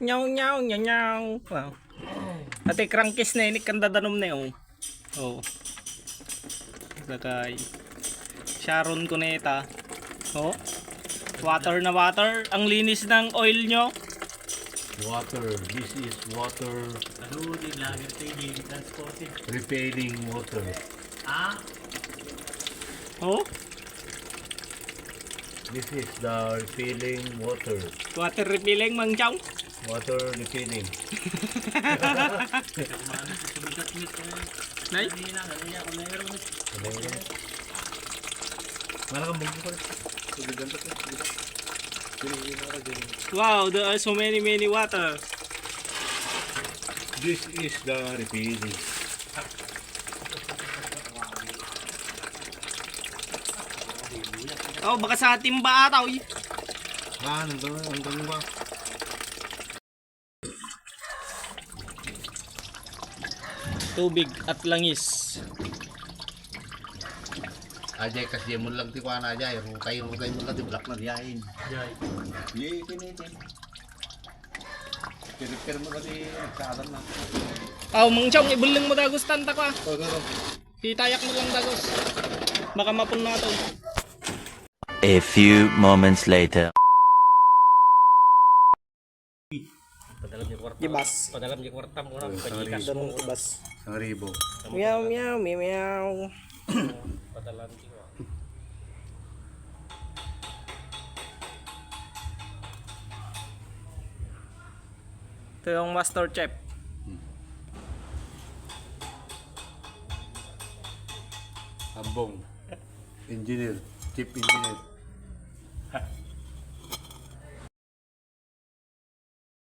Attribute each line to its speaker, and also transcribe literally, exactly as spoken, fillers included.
Speaker 1: Nyaw nyaw nyaw nyaw. Wow. Ate crankis na ini kanda danom na oh. Oh. Sakay. Sharon Cuneta. Oh. Water na water. Ang linis ng oil nyo.
Speaker 2: Water. This is water. Repelling water.
Speaker 3: Ah?
Speaker 1: Oh.
Speaker 2: This is the repelling water.
Speaker 1: Water refilling Mang Chong.
Speaker 2: Water repelling.
Speaker 1: Nay. Wow, there are so many many water.
Speaker 2: This is the repelling.
Speaker 1: Oh, baka sa timba ata oy.
Speaker 2: Ah, nandun, nandun ba?
Speaker 1: Tubig at langis.
Speaker 2: Ajay kasi mo lang ti kuana ajay, rutay rutay mo lang ti black na diyain.
Speaker 3: Jai.
Speaker 2: Ye kinitin. Repair mo kasi nagkaalam na.
Speaker 1: Aw, Mang Chong, ibulong mo dagos tanta ko ah.
Speaker 2: Oh, go, go.
Speaker 1: Hitayak mo lang dagos. Baka mapun na to.
Speaker 4: A few moments later.
Speaker 3: Padalam niya kwarta.
Speaker 1: Gibas.
Speaker 3: Padalam niya kwarta mo lang.
Speaker 2: Sorry.
Speaker 3: Pajikas
Speaker 1: Danon
Speaker 3: mo.
Speaker 1: ibas.
Speaker 2: Isang ribo.
Speaker 1: Meow meow meow meow.
Speaker 3: Padalam niya.
Speaker 1: Ito yung master chef.
Speaker 2: Ambong. Engineer. Chief engineer.